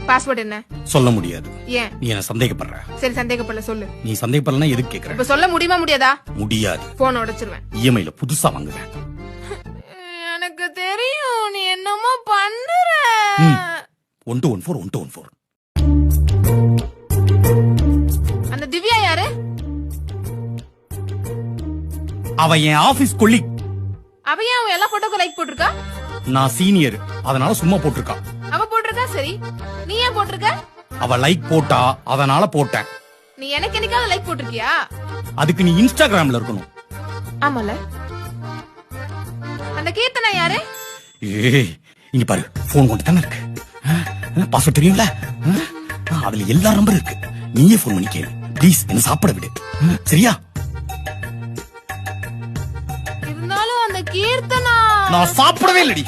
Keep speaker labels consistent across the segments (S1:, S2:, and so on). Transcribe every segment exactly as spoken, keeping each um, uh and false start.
S1: Password என்ன
S2: சொல்ல முடியாது.
S1: ஏன்?
S2: நீ என்ன சந்தேகப்படுற.
S1: சரி சந்தேகப்படல சொல்லு.
S2: நீ சந்தேகப்படலனா எதுக்கு கேக்குற?
S1: இப்ப சொல்ல முடியுமா முடியாதா?
S2: முடியாது.
S1: போன் உடைச்சிருவேன்.
S2: இஎம்ஐல புதுசா வாங்குவேன்.
S1: எனக்கு தெரியும் நீ என்னமோ பண்ற.
S2: One two one four one two one four.
S1: அந்த திவ்யா யாரு?
S2: அவ என் ஆபீஸ் கொலீக்.
S1: அவ ஏன் அவ எல்லா போட்டோக்கு லைக் போட்டிருக்கா?
S2: நான் சீனியர், அதனால சும்மா போட்டிருக்கா.
S1: அவ போட்டிருக்கா சரி, நீ ஏன் போட்டிருக்க?
S2: அவ லைக் போட்டா அதனால போட்டேன்.
S1: நீ எனக்கு என்னைக்காவது லைக் போட்டிருக்கியா?
S2: அதுக்கு நீ இன்ஸ்டாகிராம்ல இருக்கணும்.
S1: ஆமால. அந்த கீர்த்தனா யாரு?
S2: ஏய் இங்க பாரு, போன் கொண்டு தானே இருக்கு. பாஸ்வேர்ட் தெரியும்ல, அதுல எல்லா நம்பர் இருக்கு. நீயே போன் பண்ணி கேளு ப்ளீஸ், என்ன சாப்பிட விடு சரியா?
S1: இருந்தாலும் அந்த கீர்த்தனா
S2: நான் சாப்பிடவே இல்லடி.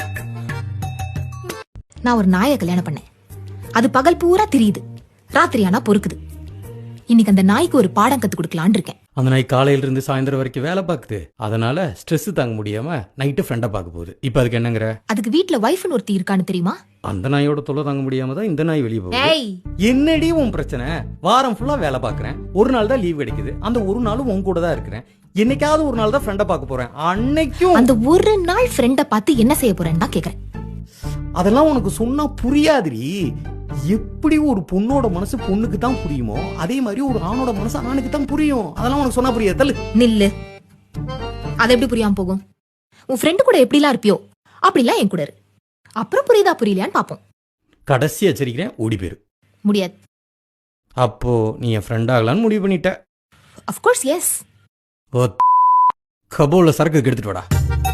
S3: நான் ஒரு நாயை கல்யாணம் பண்ணேன். அது பகல் பூரா தெரியுது, ராத்திரி ஆனா பொறுக்குது. இன்னைக்கு அந்த நாய்க்கு ஒரு பாடம் கத்து கொடுக்கலான்னு இருக்கேன்.
S4: அந்த நாய் காலையில இருந்து சாயந்தரம் வரைக்கும் வேலை பாக்குது, அதனால ஸ்ட்ரெஸ் தாங்க முடியாம நைட்டு ஃப்ரெண்டை பார்க்க போகுது. இப்ப அதுக்கு என்னங்கிற?
S3: அதுக்கு வீட்டுல வைஃப்னு ஒருத்தி இருக்கான்னு தெரியுமா?
S4: அந்த நாயோட தொல்லை தாங்க முடியாம தான் இந்த நாய் வெளியே போகுது.
S3: ஏய்
S4: என்னடி உன் பிரச்சனை? வாரம் ஃபுல்லா வேலை பாக்குறேன், ஒரு நாள் தான் லீவ் கிடைக்குது. அந்த ஒரு நாளும் உன் கூட தான் இருக்கிறேன். என்னைக்காவது ஒரு நாள் தான் ஃப்ரெண்டை பார்க்க போறேன். அன்னைக்கும்
S3: அந்த ஒரு நாள் ஃப்ரெண்ட பார்த்து என்ன செய்ய போறேன்னு தான் கேக்குறேன்.
S4: அதெல்லாம் உனக்கு சொன்னா புரியாதுடி. எப்படி ஒரு பொண்ணோட மனசு பொண்ணுக்கு தான் புரியுமோ அதே மாதிரி ஒரு ஆணோட மனசு ஆணுக்கு தான் புரியும். அதெல்லாம் உனக்கு சொன்னா புரியாது. தள்ளு.
S3: நில்லு. அது எப்படி புரியாம போகும்? உன் ஃப்ரெண்டு கூட எப்படிலாம் இருப்பியோ அப்படிலாம் என் கூட இரு. அப்புறம் புரியுதா புரியலையான்னு பாப்போம்.
S4: கடைசி எச்சரிக்கிறேன், ஓடி போயிரு.
S3: முடியாது.
S4: அப்போ நீ என் ஃப்ரெண்ட் ஆகலான்னு முடிவு பண்ணிட்ட?
S3: Of course yes.
S4: ஓ கபோல சரக்கு எடுத்துட்டு வாடா.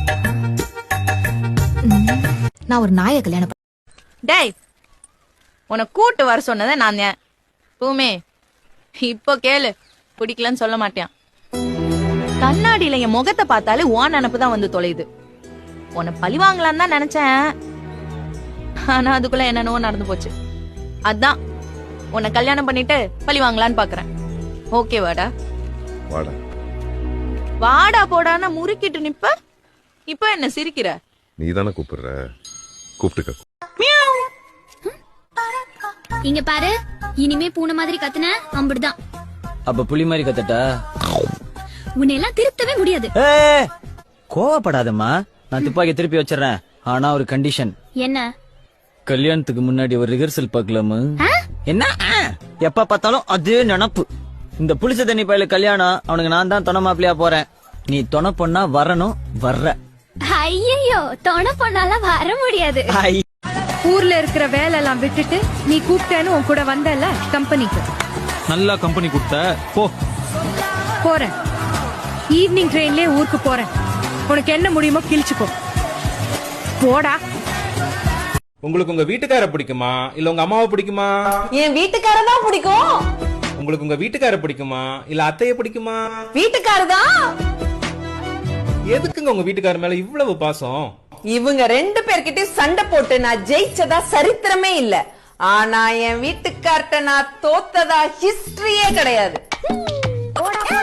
S3: நான் ஒரு நாயை கல்யாணம் பண்ணேன்.
S5: டேய், உன்னை கூட்டு வர சொன்னதை நான் தான். பூமே இப்போ கேளு, பிடிக்கலன்னு சொல்ல மாட்டேன். கண்ணாடியில என் முகத்தை பார்த்தாலே ஓன் நினப்பு தான் வந்து தொலையுது. உன்னை பழி வாங்கலான்னு தான் நினைச்சேன், ஆனா அதுக்குள்ள என்னென்னவோ நடந்து போச்சு. அதான் உன்னை கல்யாணம் பண்ணிட்டு பழி வாங்கலான்னு பாக்குறேன். ஓகே வாடா?
S6: வாடா
S5: வாடா போடான்னா முறுக்கிட்டு நிப்ப. இப்ப என்ன சிரிக்கிற?
S6: நீ தானே கூப்பிடுற, கூப்பிட்டுக்க.
S7: இங்க பாரு, இனிமே பூனை மாதிரி கத்துன அம்புடுதான்.
S8: அப்ப புலி மாதிரி கத்தட்டா?
S7: உன்னை எல்லாம் திருத்தவே முடியாது.
S8: கோவப்படாதம்மா, நான் துப்பாக்கி திருப்பி வச்சிடறேன். ஆனா ஒரு கண்டிஷன்.
S7: என்ன?
S8: கல்யாணத்துக்கு முன்னாடி ஒரு ரிஹர்சல் பார்க்கலாமா? என்ன எப்ப பார்த்தாலும் அதே நினப்பு. இந்த புளிச்ச தண்ணி பயில கல்யாணம், அவனுக்கு நான் தான் தொண மாப்பிளையா போறேன். நீ தொண பொண்ணா வரணும், வர்ற.
S7: ஐயோ, தொண பொண்ணாலாம் வர முடியாது.
S9: ஊர்ல இருக்கிற வேலை எல்லாம் விட்டுட்டு நீ கூப்பிட்டேன்னு உன் கூட வந்தல கம்பெனிக்கு.
S8: நல்லா கம்பெனி கொடுத்த போ.
S9: போறேன், ஈவினிங் ட்ரெயின்லயே ஊருக்கு போறேன். உனக்கு என்ன முடியுமோ கிழிச்சுக்கோ, போடா.
S10: உங்களுக்கு உங்க வீட்டுக்கார பிடிக்குமா இல்ல உங்க அம்மாவை பிடிக்குமா?
S5: என் வீட்டுக்கார தான் பிடிக்கும்.
S10: உங்களுக்கு உங்க வீட்டுக்கார பிடிக்குமா இல்ல அத்தைய பிடிக்குமா?
S5: வீட்டுக்காரதான்.
S10: எதுக்குங்க உங்க வீட்டுக்கார மேல இவ்வளவு பாசம்?
S5: இவங்க ரெண்டு பேர்கிட்ட சண்டை போட்டு நான் ஜெயிச்சதா சரித்திரமே இல்ல. ஆனா என் வீட்டுக்கார்ட்ட நான் தோத்ததா ஹிஸ்டரியே கிடையாது.